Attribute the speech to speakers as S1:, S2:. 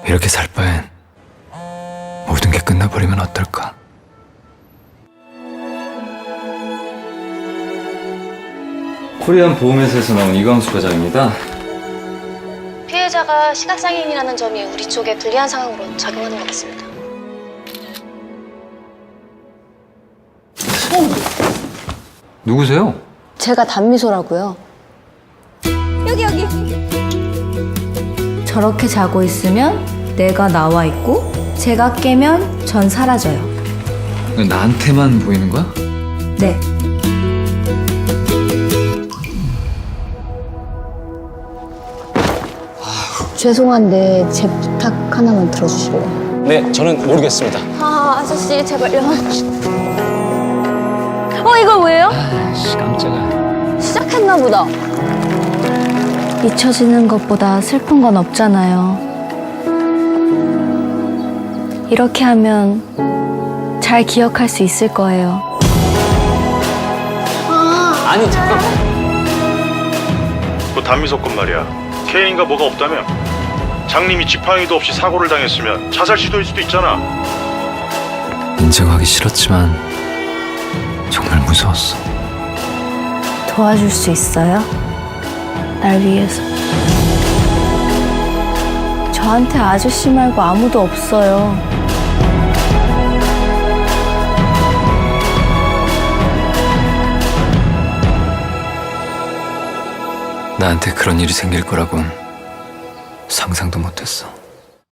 S1: 이렇게 살 바엔 모든 게 끝나버리면 어떨까? 코리안 보험회사에서 나온 이광수 과장입니다.
S2: 피해자가 시각장애인이라는 점이 우리 쪽에 불리한 상황으로 작용하는 것 같습니다.
S1: 누구세요?
S2: 제가 단미소라고요.
S3: 여기. 저렇게 자고 있으면 내가 나와 있고 제가 깨면 전 사라져요.
S1: 나한테만 보이는 거야?
S3: 네.
S2: 죄송한데 제 부탁 하나만 들어주실래요?
S4: 네, 저는 모르겠습니다.
S2: 아저씨 제발요. 이거 뭐예요?
S1: 아씨 깜짝아.
S2: 시작했나 보다.
S3: 잊혀지는 것보다 슬픈 건 없잖아요. 이렇게 하면 잘 기억할 수 있을 거예요.
S4: 아니, 잠깐.
S5: 그 단미소 건 말이야. 케인가 뭐가 없다며? 장님이 지팡이도 없이 사고를 당했으면 자살 시도일 수도 있잖아.
S1: 인정하기 싫었지만 정말 무서웠어.
S3: 도와줄 수 있어요? 날 위해서. 저한테 아저씨 말고 아무도 없어요.
S1: 나한테 그런 일이 생길 거라곤 상상도 못했어.